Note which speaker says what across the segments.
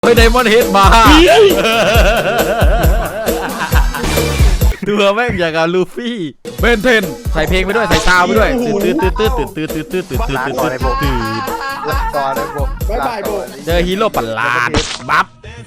Speaker 1: เฮ้ยไดมอนด์เฮดมาตัวแม่งอย่างกับลูฟี่เบนเทนใส่เพลงไปด้วยใส่ซาวไปด้วยตื่นเจอฮีโร่ประหลาดบัฟ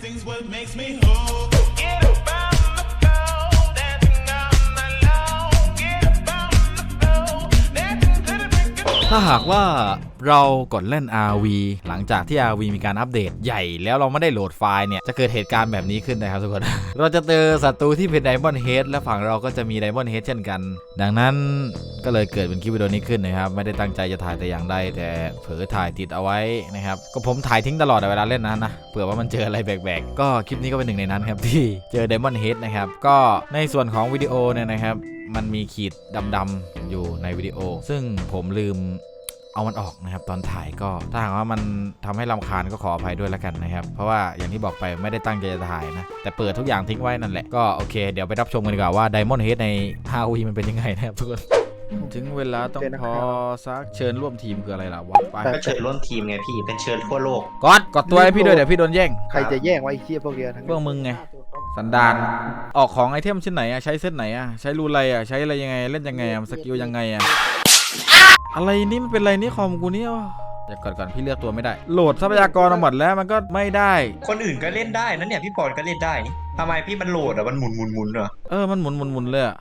Speaker 1: ถ้าหากว่าเรากดเล่น RV หลังจากที่ RV มีการอัปเดตใหญ่แล้วเราไม่ได้โหลดไฟล์เนี่ยจะเกิดเหตุการณ์แบบนี้ขึ้นนะครับทุกคน เราจะเจอศัตรูที่เป็นไดมอนด์เฮดและฝั่งเราก็จะมีไดมอนด์เฮดเช่นกันดังนั้นก็เลยเกิดเป็นคลิปวิดีโอนี้ขึ้นนะครับไม่ได้ตั้งใจจะถ่ายแต่อย่างใดแต่เผลอถ่ายติดเอาไว้นะครับก็ผมถ่ายทิ้งตลอดเวลาเล่นนะเผื่อว่ามันเจออะไรแปลกๆก็คลิปนี้ก็เป็นหนึ่งในนั้นครับที่เจอไดมอนด์เฮดนะครับก็ในส่วนของวิดีโอเนี่ยนะครับมันมีขีดดำๆอยู่ในวิดีโอซึ่งผมลืมเอามันออกนะครับตอนถ่ายก็ถ้าหากว่ามันทำให้รำคาญก็ขออภัยด้วยแล้วกันนะครับเพราะว่าอย่างที่บอกไปไม่ได้ตั้งใจจะถ่ายนะแต่เปิดทุกอย่างทิ้งไว้นั่นแหละก็โอเคเดี๋ยวไปรับชมกันดีกว่าว่า Diamond Head ใน RV มันเป็นยังไงนะครับทุกคนถึงเวลาต้องพอซักเชิญร่วมทีมคืออะไรล่ะวะไป
Speaker 2: ก็เชิญร่วมทีมไงพี่เป็นเชิญทั่วโลก
Speaker 1: กดตัวให้พี่ด้วยเดี๋ยวพี่โดนแย่ง
Speaker 3: ใครจะแย่งไว้เชี่ยพวกเดียวทั้ง
Speaker 1: พวกมึงไงสันดานออกของไอเทมชิ้นไหนอะใช้เซตไหนอะใช้รูไรอะใช้อะไรยังไงเล่นยังไงอะสกิลยังไงอะอะไรนี่มันเป็นอะไรนี่คอมกูเนี่ยเดี๋ยวก่อนพี่เลือกตัวไม่ได้โหลดทรัพยากรมาหมดแล้วมันก็ไม่ได้
Speaker 2: คนอื่นก็เล่นได้นั่นเนี่ยพี่ปอนก็เล่นได้นี่ทำไมพี่มันโหลดอะมันหมุนเหรอ
Speaker 1: มันหมุนเลยอะ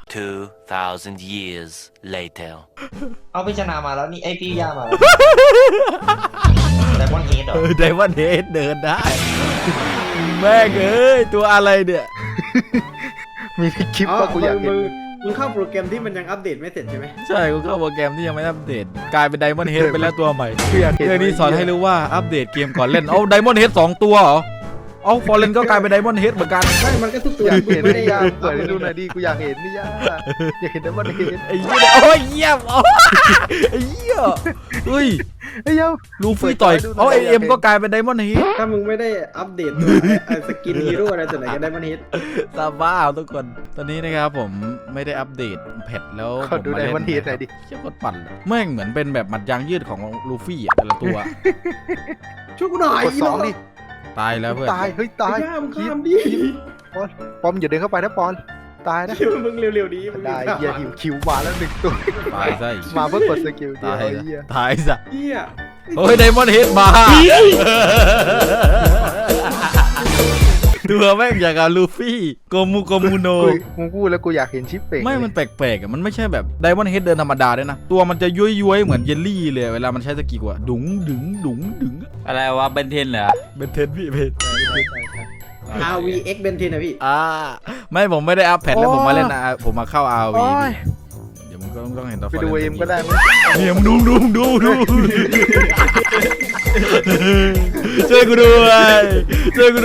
Speaker 4: 2,000 years later
Speaker 2: เอาพิจารณามาแล้วนี่ไอพี่ย่ามาไดมอนด์เฮดเหรอ
Speaker 1: ไดมอนด์เฮดเดินได้แม่งเอ้ยตัวอะไรเนี่ย
Speaker 3: มีคลิปว่ากูอยากเห็น
Speaker 5: มึงเข้าโปรแกรมที่มันยังอัปเดตไม่เสร็จใช่ไหม
Speaker 1: ใช่กูเข้าโปรแกรมที่ยังไม่อัปเดตกลายเป็นไดมอนด์เฮดไปแล้วตัวใหม่เรื่องนี้สอนให้รู้ว่าอัปเดตเกมก่อนเล่นเอาไดมอนด์เฮด2ตัวเหรอเอาฟอร์เรนก็กลายเป็นไดมอนด์เฮดเหมือนกัน
Speaker 5: ใช่มันก็ทุกตัว
Speaker 3: เห็นไม่ได้ยาเปิดให้ดูหน่อยดิกูอยากเห็นนี่ย่าอยากเห็นไดมอนด์เฮด
Speaker 1: ไอ้เหี้ยโอ้ยเยี่ยมไอ้เหี้ยเฮ้ย
Speaker 3: ไอ้เหี้ย
Speaker 1: ลูฟี่ต่อยเอาไอเอ็มก็กลายเป็นไดมอนด์เฮด
Speaker 5: ถ้ามึงไม่ได้อัปเดตสกินฮีโร่อะไรตัวไหนก็ไดมอนด์เฮด
Speaker 1: ซาบ้าทุกคนตอนนี้นะครับผมไม่ได้อัปเดตแพทแล้ว
Speaker 3: ผมดูไดมอนด์เฮดหน่อยดิ
Speaker 1: เชี่ยกดปั่นแม่งเหมือนเป็นแบบมัดยางยืดของลูฟี่อะแต่ละตัว
Speaker 5: ช่วยกูหน่อย
Speaker 3: กด2ดิ
Speaker 1: ตายแล้วเพื่อน
Speaker 3: ตายเฮ้ยตาย
Speaker 5: ข้ามดิ
Speaker 3: ปอมอย่าเดินเข้าไปนะปอนตายนะ
Speaker 5: มึงเร็วๆดีมึง
Speaker 3: ได้เหี้ยหิวคิวมาแล้ว1ตัว
Speaker 1: ตายซะ
Speaker 3: มาเพื่อกดสกิล
Speaker 1: ตายซะ
Speaker 5: เหี้ย
Speaker 1: โอ้ยไดมอนด์เฮดมาตัวแม่งอย่างกับลูฟี่โกมูโน
Speaker 3: มึงพูดแล้วกูอยากเห็นชิปเป่ง
Speaker 1: ไม่มันแปลกๆอ่ะมันไม่ใช่แบบไดมอนด์เฮดเดินธรรมดาด้วยนะตัวมันจะย้วยๆเหมือนเยลลี่เลยเวลามันใช้สกิลอะดุ๋ง
Speaker 4: อะไรวะเบนเทนเหรอ
Speaker 1: เบนเทนพี่เบน
Speaker 5: RVX เบนเทนนะพี่
Speaker 1: ไม่ผมไม่ได้อัพแพทแล้วผมมาเล่นผมมาเข้า RV เดี๋ยวมึงก็ต้องเห็นต่อ
Speaker 3: ไปดูเอ็มก็ได้
Speaker 1: เนี่ยมึงดูช่วยกูด้วยโอ้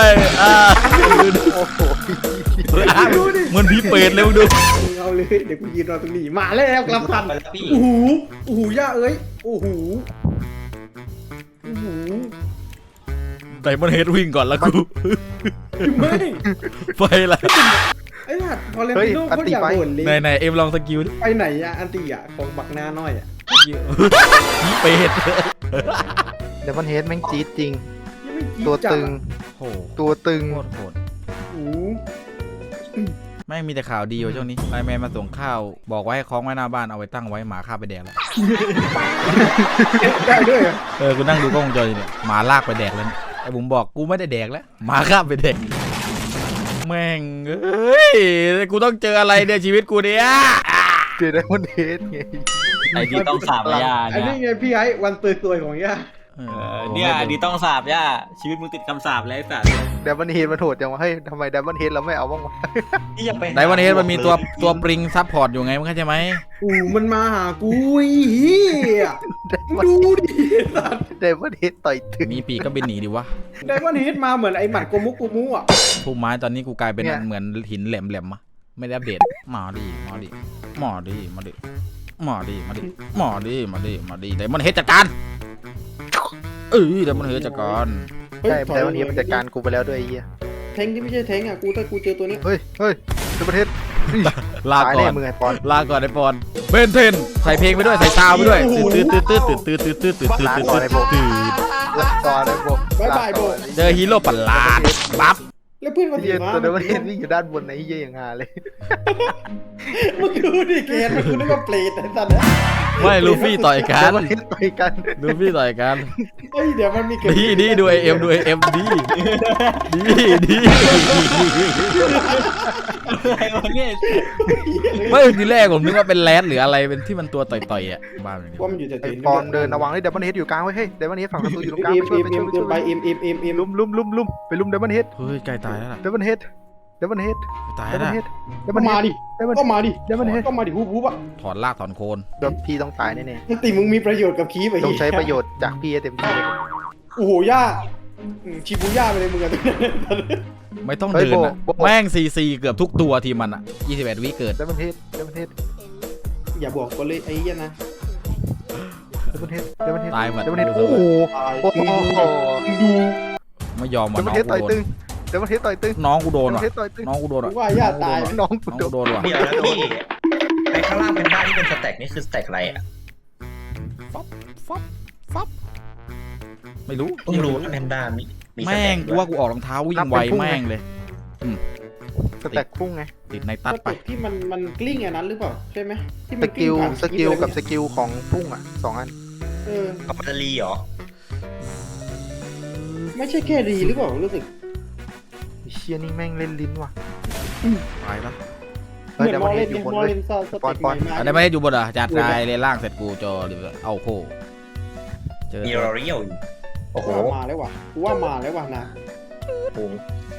Speaker 1: โหมันผีเปรตเลยมึงดู
Speaker 5: เอาเลยเดี๋ยวกูยืนรอตรงนี้มาแล้วกลับกันโอ้โหย่าเอ้ยโอ้โห
Speaker 1: ไดมอนด์เฮดวิ่งก่อนแล้วกู
Speaker 5: ไม่
Speaker 1: ไปละ
Speaker 5: ไอ้หัดพอเล่นลูกเขาอยากบ่นเลย
Speaker 1: ไหนเอ็มลองสกิล
Speaker 5: ไปไหนอะอันตีอะของบักหน้าน้อยอะ
Speaker 1: เป็ด
Speaker 3: เดมอนเฮดแม่งจี๊ดจริงตัวตึงโหด
Speaker 1: แม่งมีแต่ข่าวดีอยู่ช่วงนี้ไลน์แมนมาส่งข้าวบอกไว้ให้คล้องไว้หน้าบ้านเอาไว้ตั้งไว้หมาฆ่าไปแดกแล้ว
Speaker 5: ได้ด้วย
Speaker 1: กูนั่งดูกล้องวงจรเนี่ยหมาลากไปแดกแล้วไอ้บุ๋มบอกกูไม่ได้แดกแล้วหมาฆ่าไปแดกแม่งเอ้ยกูต้องเจออะไรเนี่ยชีวิตกูเนี่ย
Speaker 3: เจอไดมอนด์เฮดไง
Speaker 4: ไอ้ที่ต้องสาบย่า
Speaker 5: อันนี้ไงพี่ไอ้วันตัวยของย่า
Speaker 4: เนี่ยอันนี้ต้องสาบย่าชีวิตมึงติดคำสาบแล้วไอ้สัตว์
Speaker 3: ไดมอนด์เฮดมันโหดจังวะเฮ้ยทำไมไดมอนด์เฮดเราไม่เอาบ้างวะ
Speaker 1: ไดมอนด์เฮดมันมีตัวปริงซับพอร์ตอยู่ไงมึงเข้าใจไหม
Speaker 5: มันมาหากูเฮียดูดิ
Speaker 3: ไดมอนด์เฮดต่อยถึง
Speaker 1: มีปีกก็บินหนีดิวะ
Speaker 5: ไดมอนด์เฮดมาเหมือนไอ้หมัดโกมุอ่ะ
Speaker 1: ผู้ไม้ตอนนี้กูกลายเป็นเหมือนหินแหลมๆอะไม่ได้อัปเดตมาดิไดมอนด์เฮดจัดการไดมอนด์เฮดจัดการ
Speaker 3: ใช่ไดมอนด์เฮดมันจัดการกูไปแล้วด้วยไอ้เหี้ย
Speaker 5: แทงที่ไม่ใช่แทงอ่ะถ้ากูเจอตัวนี้
Speaker 3: เฮ้ยไดมอนด์เฮด
Speaker 1: ลาก่อนไอปอนเบนเทนใส่เพลงไปด้วยใส่ซาวไปด้วยตื่น
Speaker 3: ต่อเลยโบ
Speaker 5: บ๊ายบายโบ
Speaker 1: เจอฮีโร่ประหลาดปั๊บ
Speaker 5: แล้วเพื่อนคน
Speaker 3: เฮี
Speaker 5: อื่
Speaker 3: ย
Speaker 5: นมา
Speaker 3: ตัวเดวันเฮดวิ่งอยู่ด้านบนไหนเฮียอย่างงาเลย
Speaker 5: มึงดูดิเกณฑ์มันกูนึกว่าเปรตไอ้สัตว์
Speaker 1: ไม่ลูฟี่ต่อยกั
Speaker 3: เด
Speaker 1: น
Speaker 3: วันเฮดต่อยกัน
Speaker 1: ลูฟี่ต่อยกัน
Speaker 5: เฮ้ยเดี๋ยวมันมีเกม
Speaker 1: ดีดูเอ็มดูเอ็มดี
Speaker 4: อะไรวะเนี่ย
Speaker 1: ไม่ทีแรกผมนึกว่าเป็นแรดหรืออะไรเป็นที่มันตัวต่อยๆอ่ะบ้าเลย
Speaker 5: ว่ามันอยู่แต่
Speaker 3: ไอ้ปอนเดินระวังเลยเดวันเฮดอยู่กลางไว้เฮ้ยเดวันเฮดฝั่งประตูอยู่ตรงกลาง
Speaker 5: เอ็
Speaker 3: ไป
Speaker 5: ม
Speaker 3: ช่วย
Speaker 5: เอ็ม
Speaker 3: ไป
Speaker 5: เอ็
Speaker 3: ช่วย
Speaker 5: ม
Speaker 3: ไปช่วย
Speaker 5: ไปเอ็มไป
Speaker 3: ลุมไปลุมเดวันเฮด
Speaker 1: เฮ้ยใกล้ตายแล้วล่ะ
Speaker 3: เดวันเฮดเดวันเฮด
Speaker 1: ตาย
Speaker 3: เด
Speaker 1: แล้ว
Speaker 3: วัน
Speaker 1: ล่ะ
Speaker 3: เฮดเด
Speaker 5: ก็
Speaker 3: วันเฮ
Speaker 5: มา
Speaker 3: ด
Speaker 5: ดิก็มาดิ
Speaker 3: เดวันเฮด
Speaker 5: ก็มาดิฮูบอ่ะ
Speaker 1: ถอนลากถอนโคน
Speaker 3: โดนพี่ต้องตายแน่
Speaker 5: สติมึงมีประโยชน์กับคีบไอ้
Speaker 3: ๆต้องใช้ประโยชน์จากพี่ให้เต็มที่เลย
Speaker 5: โอ้โหย่าชิบูย่าไปเลยมึงอะ
Speaker 1: ไม่ต้องเดินอ่ะแม่งซีเกือบทุกตัวทีมมันอ่ะ21 วิเกิด
Speaker 3: เดวันเฮดเดวันเฮด
Speaker 5: อย่าบอกกันเลยไอ้ยันนะ
Speaker 3: เดวันเฮดเดวันเฮด
Speaker 1: ตายหมด
Speaker 3: เดวันเฮดโอ้โหโอ้โห
Speaker 5: ดู
Speaker 1: ไม่ยอม
Speaker 3: เด
Speaker 1: ว่ะ
Speaker 3: วัน
Speaker 1: น้อง
Speaker 3: เฮด
Speaker 1: กู
Speaker 3: ต่อย
Speaker 1: โด
Speaker 3: ตึ
Speaker 1: น
Speaker 3: งเดวันเฮดต่อยตึง
Speaker 1: น้องกูโดน
Speaker 3: เดวัน
Speaker 1: ว่ะ
Speaker 3: เฮดต่อยตึง
Speaker 1: น้องกูโดนว่ะ
Speaker 5: ว่าย่าตาย
Speaker 3: น้องกู
Speaker 1: น้อง
Speaker 3: โด
Speaker 1: กู
Speaker 3: น
Speaker 1: โดนว่ะ
Speaker 2: เดี๋ยวนะพี่ไอ้ข้างล่างเป็นบ้านที่เป็นสแต็กนี่คือสแต็กอะไรอ่ะ
Speaker 1: ฟับไม่รู้
Speaker 2: เพิ่งรู้ว่าแพนด้ามีส
Speaker 1: แม่
Speaker 2: แต็
Speaker 1: ง
Speaker 2: ก
Speaker 1: กูว่ากูออกรองเท้าวิ่งไวแม่งเลย
Speaker 3: สแต็กพุ่งไง
Speaker 1: ติดใน
Speaker 5: ตั
Speaker 1: ตั
Speaker 5: ด
Speaker 1: ด
Speaker 5: ไป
Speaker 1: ไป
Speaker 5: ที่มันกลิ้งอันนั้นหรือเปล่าใช่ไหมที่
Speaker 3: ส
Speaker 5: มัน
Speaker 3: กิล
Speaker 5: ผ่าน
Speaker 3: สกิล
Speaker 5: คลิป
Speaker 3: กับ
Speaker 5: อะไร
Speaker 3: สกิลของพุ่งอ่ะ2 อัน
Speaker 5: เออ
Speaker 2: กับปัตตานีเหรอ
Speaker 5: ไม่ใช่แค่รีหรือเปล่ารู้สึก
Speaker 3: เชียนี่แม่งเล่นลิ้นว่ะ
Speaker 1: ตายปะ
Speaker 5: เหมือน
Speaker 3: เดี๋ยว
Speaker 5: ม
Speaker 3: มั
Speaker 5: อน เล
Speaker 3: เห็
Speaker 5: น
Speaker 3: นอยู่
Speaker 5: เนี่ย
Speaker 3: บน
Speaker 5: มอ
Speaker 3: เล
Speaker 5: เลย นซาส
Speaker 3: ปอ
Speaker 5: เต็
Speaker 3: น
Speaker 5: ก
Speaker 3: ปอน
Speaker 5: ใหม่
Speaker 1: อัน
Speaker 5: มา
Speaker 1: นี้ไม่ได้อยู่บนเหรอจัดได้เลยล่างเสร็จกูจอหรือเอาโคเจอ
Speaker 2: มีรอเรียลอยู่โอ้โห
Speaker 5: ว่ามาแล้วว่ะกูว่ามาแล้วว่ะนะ
Speaker 2: โอ้โห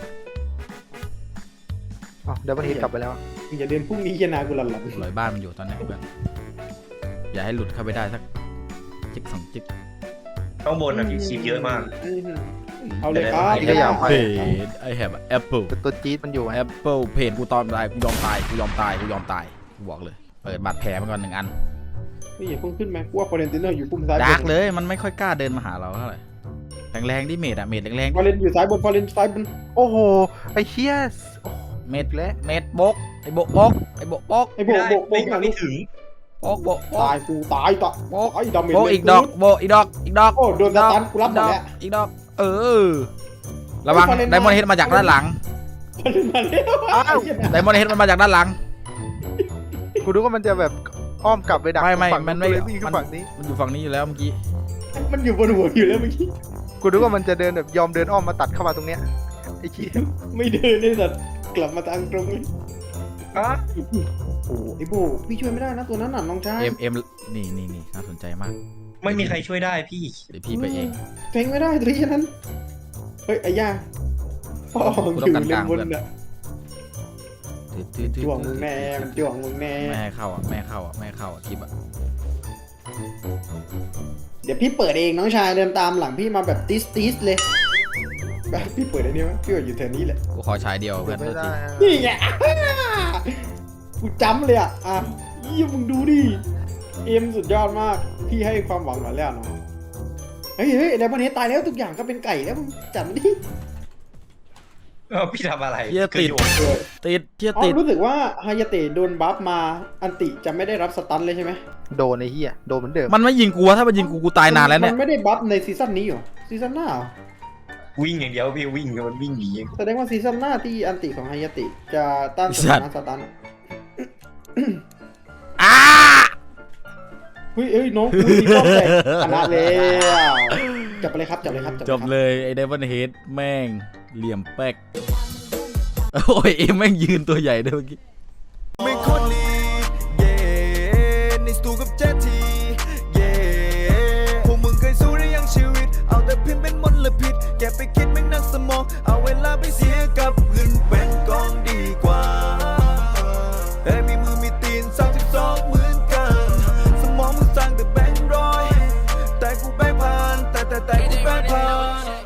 Speaker 3: อ๋อเดวันเฮดกลับไปแล้ว
Speaker 5: มึงอย่าเดินพรุ่งนี้ยานากูหลัน
Speaker 1: ลอยบ้านมันอยู่ตอนนี้เพื่อนอย่าให้หลุดเข้าไปได้สักจิ๊ก2 จิ๊ก
Speaker 2: ข้างบนน่ะมีคีบเยอะมาก
Speaker 5: เอาเลยครับ
Speaker 3: นี่ก็อยากไป
Speaker 1: เพจไอแฮบแอปเปิล
Speaker 3: แต่ตัวจี๊ดมันอยู่ไง
Speaker 1: แอปเปิลเพจกูตอนตายกูยอมตายกูยอมตายกูยอมตายกูบอกเลยเปิดบาดแผลมันก่อน1 อัน
Speaker 5: ไม่อย่าเพิ่งขึ้นไหมกูว่าฟอเรนติโนอยู่ปุ่มซ้าย
Speaker 1: ดาร์กเลยมันไม่ค่อยกล้าเดินมาหาเราเท่าไหร่แรงๆดิเมดอะเมดแรง
Speaker 5: ฟอเรนอยู่ซ้ายบนฟอเรนซ้ายบน
Speaker 3: โอ้โหไอ้เฮีย
Speaker 1: ๆเมดบกไอโบกบกไอโบกบก
Speaker 5: ไอ้โบก
Speaker 2: ไม่ไม่ถึง
Speaker 1: บกบก
Speaker 5: ตายกูตายตะ
Speaker 1: โบก
Speaker 5: ไอ้ดาเมจ
Speaker 1: โบกอีกดอกโบกอีกดอกอีกดอก
Speaker 5: โอ้โดนสตันกูรับหมดแล้ว
Speaker 1: อีกดอกระวังไดมอนด์เฮดมาจากด้านหลัง
Speaker 5: ฟอเรนมาแล้ว
Speaker 3: อ้าว
Speaker 1: ไดมอนด์เฮดมันมาจากด้านหลัง
Speaker 3: กูดูว่ามันจะแบบอ้อมกลับไปดัก
Speaker 1: ไม่
Speaker 3: ฝั่ง
Speaker 1: มันไม่
Speaker 3: เลยวิ่งขึ้นฝั่งนี้
Speaker 1: มันอยู่ฝั่งนี้อยู่แล้วเมื่อกี้
Speaker 5: มันอยู่บนหัวอยู่แล้วเมื่อกี้
Speaker 3: กูดูว่ามันจะเดินแบบยอมเดินอ้อมมาตัดเข้ามาตรงเนี้ยไอ้เหี้ย
Speaker 5: ไม่เดินเลยสัตว์กลับมาทางตรงเลยโอ้ไอ้โบพี่ช่วยไม่ได้นะตัวนั้นน่ะน้องชาย
Speaker 1: เอ็มนี่น่าสนใจมาก
Speaker 2: ไม่มีใครช่วยได้พี่
Speaker 1: เดี๋ยวพี่ไปเอง
Speaker 5: แทงไม่ได้ตัวนี้นั้นเฮ้ยไอ้ย่าพ่อ
Speaker 1: กูต้องการกลาง
Speaker 5: บน
Speaker 1: เพื่อน
Speaker 5: น่ะจ้วงมึงแน่มันจ้วงมึงแน่
Speaker 1: แม่ให้เข้าอ่ะคลิปอ่ะ
Speaker 5: เดี๋ยวพี่เปิดเองน้องชายเดินตามหลังพี่มาแบบติสเลยแบบพี่เปิดไอ้นี่วะพี่ว่าอยู่แถวนี้แหละ
Speaker 1: กูขอชายเดียวเพื่อน
Speaker 3: ไม่
Speaker 1: โทษ
Speaker 3: ได้
Speaker 1: ที
Speaker 5: นี่ไงกูจำเลยอ่ะยี่มึงดูดิเอ็มสุดยอดมากพี่ให้ความหวังหน่อยแล้วเนาะเฮ้ยไดมอนด์เฮดตายแล้วทุกอย่างก็เป็นไก่แล้วมึงจัดมันดิ
Speaker 2: พี่ทำอะไร
Speaker 1: เทียติด เทีย
Speaker 5: อ๋อ
Speaker 1: ติด
Speaker 5: รู้สึกว่าฮายาเตะโดนบัฟมาอันติจะไม่ได้รับสตันเลยใช่ไหม
Speaker 3: โดนไอ้เหี้ยโดนเหมือนเดิม
Speaker 1: มันไม่ยิงกูวะถ้ามันยิงกูตายนานแล้วเนี่ย
Speaker 5: มันไม่ได้บัฟในซีซั่นนี้หรอซีซั่นหน้าเหรอ
Speaker 2: วิ่งอย่างเดียวพี่วิ่งมันวิ่งหนี
Speaker 5: แสดงว่าซีซั่นหน้าที่อันติของฮายาเตะจะต้านสถานะสตัน
Speaker 1: อ้า
Speaker 5: เฮ้ยน้องกูมีรอบแตกชนะแล้วจับไปเลยครับ
Speaker 1: จบเลยไอ้ไดมอนด์เฮดแม่งเหลี่ยมแป๊กโอ้ยเอ็มแม่งยืนตัวใหญ่ด้วยเมื่อกี้
Speaker 6: ไม่คนดีเย่ในสตูกับเจทีเย่พวกมึงเคยสู้หรือยังชีวิต เอาแต่พิมพ์เป็นมลพิษแกไปคิดไม่